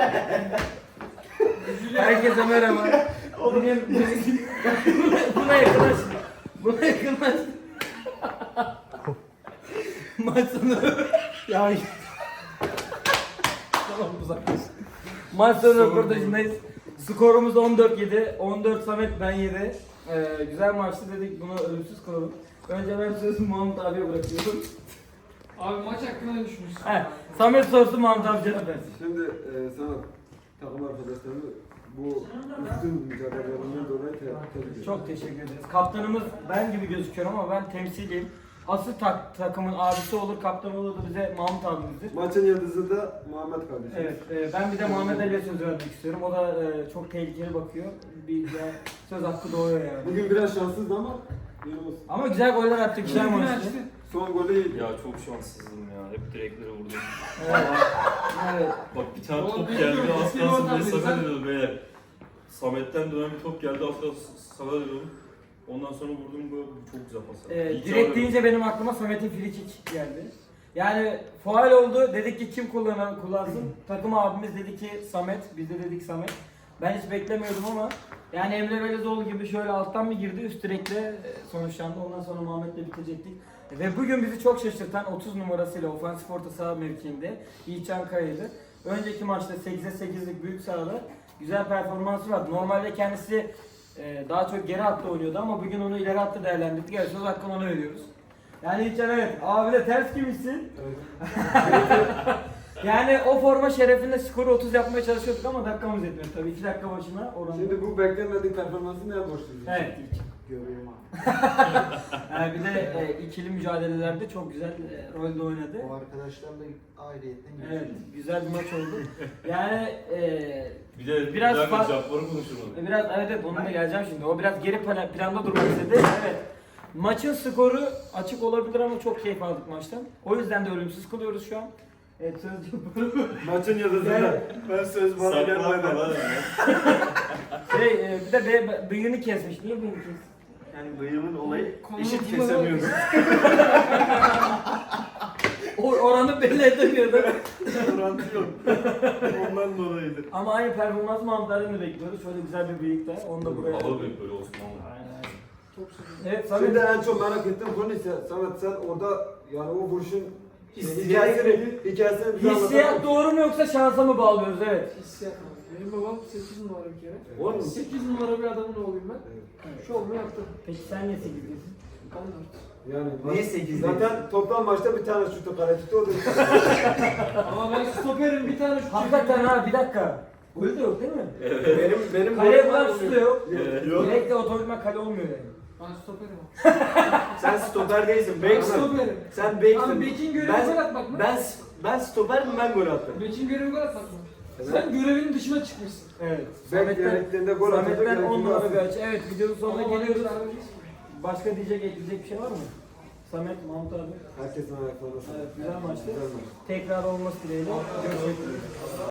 Herkese merhaba. Buna yakınlaş. Buna yakınlaş. Maç sonu. Ya. Tamam uzaklaş. Maç sonu röportajındayız. Skorumuz 14-7. 14 Samet, ben 7. Güzel maçtı dedik, bunu ölümsüz kılalım. Önce ben sözü Mahmut abiye bırakıyorum. Abi maç hakkında ne düşünüyorsun? He, Samet sorsun, Mahmut abi cevap versin. Şimdi sana takım arkadaşlarımı bu üstün mücadelelerinden dolayı tebrik ediyorum. Çok teşekkür ederiz. Kaptanımız ben gibi gözüküyorum ama ben temsiliyim. Asıl takımın abisi olur, kaptan olur da bize Mahmut abimizdir. Maçın yıldızı da Muhammed kardeşim. Evet, ben bir de Muhammed Ali'ye söz vermek istiyorum. O da çok tehlikeli bakıyor. Bir söz hakkı doğuyor yani. Bugün biraz şanssızdı ama iyi olsun. Ama güzel goller attı, güzel Bugün maçtı. açtı. Son golü iyiydi. Ya çok şanssızdım ya. Hep direklere vurdum. Evet. Evet. Bak bir tane Oğlum, top biz geldi, de az eski kalsın oradan diye biz sana de- dedim beyler. Samet'ten dönen bir top geldi, az kalsın sana dedim. Ondan sonra vurdum, bu çok güzel pas. İyi Direkt ki deyince benim aklıma Samet'in free kick geldi. Yani faul oldu, dedik ki kim kullansın? Takım abimiz dedi ki Samet, biz de dedik Samet. Ben hiç beklemiyordum ama yani Emre Belezoğlu gibi şöyle alttan bir girdi, üst direkle sonuçlandı. Ondan sonra Muhammed'le bitecektik. Ve bugün bizi çok şaşırtan 30 numarasıyla ofansif orta saha mevkiinde Yiğitcan Kaya'ydı. Önceki maçta 8'e 8'lik büyük sahada güzel performansı vardı. Normalde kendisi daha çok geri hatta oynuyordu ama bugün onu ileri hatta değerlendirdik. Evet, söz hakkını ona veriyoruz. Yani Yiğitcan, evet, abi de ters gibiysin. Yani o forma şerefinde skoru 30 yapmaya çalışıyorduk ama dakikamız yetmedi tabii. 2 dakika başına oranı. Şimdi bu beklenmedik performansı neye borçluyuz? Evet. Görüyorum abi. Yani bir de ikili mücadelelerde çok güzel rolde oynadı. O arkadaşlarla ayrıyetten Evet, güzel bir maç oldu. Yani bir de biraz Cabbar'ı konuşuruz. biraz evet onunla geleceğim şimdi. O biraz geri planda durmak istedi. Evet. Maçın skoru açık olabilir ama çok keyif aldık maçtan. O yüzden de ölümsüz kılıyoruz şu an. Evet, sözcüğüm. Maçın yıldızı Yani- da. Ben söz bana Saklanma gelmeden. lan. Bir de bıyığını kesmiş. Niye bıyığını kesmiş? Yani bıyığımın olayı Konunun eşit bulunduğu- kesemiyorum. Oranı belli edemiyordu. Orantı yok. Ondan dolayıdır. Ama aynı performans Mahmutlar'dan da bekliyoruz. Şöyle güzel bir bıyık da. Onu da buraya. Hava büyük böyle olsun valla. Aynen. Çok sevindim. Evet, Şimdi Samet. en çok merak ettiğim konu ise Samet, sen orada yani o vuruşun Hissiyat- hikayesini bize Hissiyat anlatalım. doğru mu yoksa şansa mı bağlıyoruz? Evet. Hissiyat abi. Benim babam 8 numara bir kere. Oğlum 8 numara bir adamın oğluyum ben. Şovumu yaptım. Peki sen niye 8'desin? 14. yani Niye 8 zaten toplam maçta bir tane şutu kale tuttu o da. Ama ben stoperim, bir tane şut Hakikaten ha, bir dakika. Golü de yok değil mi? benim Kale golüm falan var, şutu da yok. Yok. Direkt de otomatikman kale olmuyor yani. Ben stoperim abi. Sen stoper değilsin, Ben beksin. stoperim. Sen Abi beksin. Bekin görevi gol atmak mı? Ben stoper mi, ben gol attım. Bekin görevi gol atmak mı? Sen görevinin dışına çıkmışsın. Evet. Bek gerektiğinde gol atacak. Samet'ten 10 gerektiğinde numara bir atacak. açı. Evet, videonun sonuna Ama bana geliyoruz. hiç vermeyeceksin. Başka diyecek, ekleyecek bir şey var mı? Samet, Mahmut abi. Herkesin ayaklarına sağlık. Evet, güzel maçtı. Güzel maç. Tekrar olması dileğiyle. Görüşmek üzere.